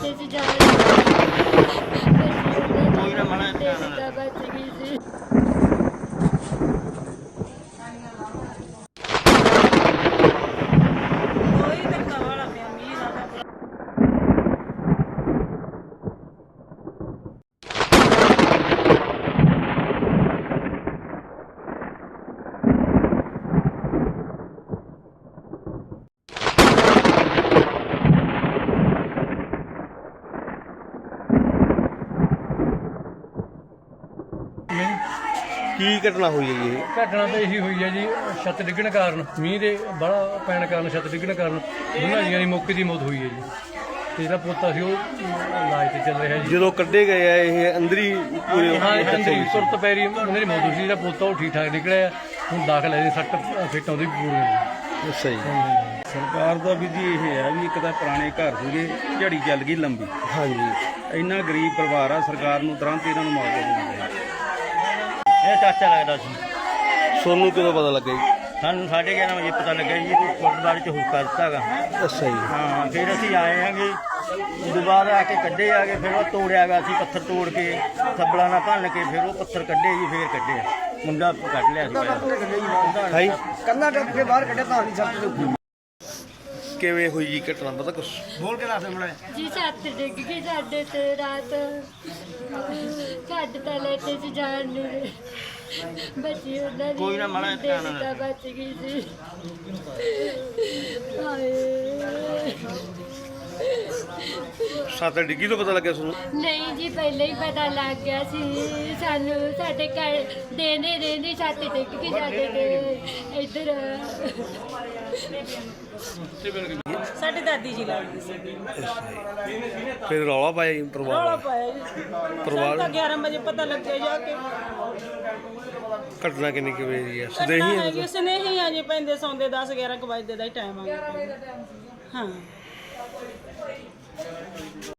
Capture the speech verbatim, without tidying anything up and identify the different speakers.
Speaker 1: ਲੈਟੇ ਚ ਜਾ ਕੋਈ ਨਾ ਮਣਾ ਤਾਂ ਬਚ ਗਈ ਸੀ।
Speaker 2: ਕੀ ਘਟਨਾ ਹੋਈ ਹੈ ਜੀ ਇਹ?
Speaker 3: ਘਟਨਾ ਤਾਂ ਇਹੀ ਹੋਈ ਹੈ ਜੀ, ਛੱਤ ਡਿੱਗਣ ਕਾਰਨ, ਮੀਂਹ ਦੇ ਬੜਾ ਪੈਣ ਕਾਰਨ, ਛੱਤ ਡਿੱਗਣ ਕਾਰਨ ਦੋਨਾਂ ਜੀਆਂ ਦੀ ਮੌਕੇ ਦੀ ਮੌਤ ਹੋਈ ਹੈ ਜੀ। ਤੇ ਜਿਹੜਾ ਪੋਤਾ ਸੀ ਉਹ ਇਲਾਜ ਤੇ ਚੱਲ ਰਿਹਾ ਜੀ।
Speaker 2: ਜਦੋਂ ਕੱਢੇ ਗਏ ਆ ਇਹ ਅੰਦਰੀ ਪੂਰੇ
Speaker 3: ਹਾਂ ਅੰਦਰੀ ਤੁਰਤ ਪੈਰੀ ਉਹਨਾਂ ਦੀ ਮੌਤ ਹੋਈ ਸੀ। ਜਿਹੜਾ ਪੋਤਾ ਉਹ ਠੀਕ ਠਾਕ ਨਿਕਲਿਆ, ਹੁਣ ਦਾਖਲ ਹੈ ਜੀ, ਸੱਟ ਫਿੱਟ ਆਉਂਦੀ ਪੂਰੀ।
Speaker 2: ਅੱਛਾ ਜੀ।
Speaker 4: ਸਰਕਾਰ ਦਾ ਵੀ ਜੀ ਇਹ ਹੈ ਵੀ ਇੱਕ ਤਾਂ ਪੁਰਾਣੇ ਘਰ ਸੀਗੇ, ਝੜੀ ਚੱਲ ਗਈ ਲੰਬੀ।
Speaker 2: ਹਾਂਜੀ।
Speaker 4: ਇੰਨਾ ਗਰੀਬ ਪਰਿਵਾਰ ਆ, ਸਰਕਾਰ ਨੂੰ ਤੁਰੰਤ ਇਹਨਾਂ ਨੂੰ ਮੁਆਵਜ਼ਾ ਦੇਣਾ ਚਾਹੀਦਾ।
Speaker 5: ਇਹ ਚਾਚਾ ਲੱਗਦਾ ਸੀ।
Speaker 2: ਸੋਨੂੰ ਕਦੋਂ ਪਤਾ ਲੱਗਾ ਜੀ?
Speaker 5: ਸਾਨੂੰ ਸਾਢੇ ਗਿਆਰਾਂ ਵਜੇ ਪਤਾ ਲੱਗਾ ਜੀ ਕਿ ਗੁਰਦੁਆਰੇ 'ਚ ਹੁਕਾ ਦਿੱਤਾ ਹੈਗਾ।
Speaker 2: ਅੱਛਾ ਜੀ।
Speaker 5: ਹਾਂ ਫਿਰ ਅਸੀਂ ਆਏ ਹਾਂਗੇ, ਉਦੋਂ ਬਾਅਦ ਆ ਕੇ ਕੱਢੇ ਆ ਗਏ, ਫਿਰ ਉਹ ਤੋੜਿਆ ਗਿਆ ਸੀ, ਪੱਥਰ ਤੋੜ ਕੇ ਥੱਬਲਾਂ ਨਾਲ ਭੰਨ ਕੇ ਫਿਰ ਉਹ ਪੱਥਰ ਕੱਢੇ ਜੀ, ਫਿਰ ਕੱਢੇ ਮੁੰਡਾ ਕੱਢ ਲਿਆ ਸੀ।
Speaker 2: ਹਾਈ
Speaker 6: ਕੰਨਾ ਟੱਪ ਕੇ ਬਾਹਰ ਕੱਢਿਆ ਤਾਂ ਨਹੀਂ ਸੱਤ ਦੇ ਉੱਪਰ।
Speaker 2: ਕਿਵੇਂ ਹੋਈ ਜੀ ਘਟਨਾ, ਪਤਾ ਕੁਛ?
Speaker 6: ਬੋਲ ਕੇ ਦੱਸ ਮੜਾ
Speaker 1: ਜੀ ਛੱਤ ਡਿੱਗ ਗਈ ਸਾਡੇ ਤੇ ਰਾਤ, ਸਾਡੇ ਤਾਂ ਲੈਟੇ ਚ ਜਾਣ ਨੂੰ ਬੱਚੀ ਉਹਨਾਂ ਦੀ
Speaker 5: ਕੋਈ ਨਾ ਮਾੜਾ ਜਿਹਾ ਧਿਆਨ
Speaker 1: ਤਾਂ ਬਚ ਗਈ ਸੀ। ਹਾਏ
Speaker 2: ਸੱਤ ਡਿੱਗੀ ਤੋਂ ਪਤਾ ਲੱਗਿਆ ਤੁਹਾਨੂੰ?
Speaker 1: ਨਹੀਂ ਜੀ ਪਹਿਲਾਂ ਹੀ ਪਤਾ ਲੱਗ ਗਿਆ ਸੀ ਸਾਨੂੰ। ਸਾਡੇ ਘਰ ਦੇਨੇ ਰਹਿੰਦੀ ਛੱਤ ਡਿੱਗ ਗਈ ਸਾਡੇ ਤੇ ਇੱਧਰ।
Speaker 7: ਸਾਡੀ ਦਾਦੀ ਜੀ ਲੱਗਦੀ ਸੀ।
Speaker 2: ਫਿਰ ਰੌਲਾ ਪਾਇਆ ਜੀ
Speaker 7: ਰੌਲਾ
Speaker 2: ਪਰਿਵਾਰ?
Speaker 7: ਪਾਇਆ ਜੀ।
Speaker 2: ਪਰਿਵਾਰ
Speaker 7: ਸਾਨੂੰ ਤਾਂ ਗਿਆਰਾਂ ਵਜੇ ਪਤਾ ਲੱਗਿਆ ਜਾ ਕੇ।
Speaker 2: ਘਟਨਾ ਕਿੰਨੀ ਕੁ ਵਜੇ ਦੀ ਹੈ?
Speaker 7: ਘਟਨਾ
Speaker 2: ਸਦੇਹੀ
Speaker 7: ਹੈਗੀ
Speaker 2: ਹੈ?
Speaker 7: ਸਨੇਹੀ ਆ ਜੀ, ਪੈਂਦੇ ਸੌਂਦੇ ਦਸ ਗਿਆਰਾਂ ਕੁ ਵਜੇ ਦਾ ਹੀ ਟਾਈਮ ਆ ਗਿਆ। ਹਾਂ।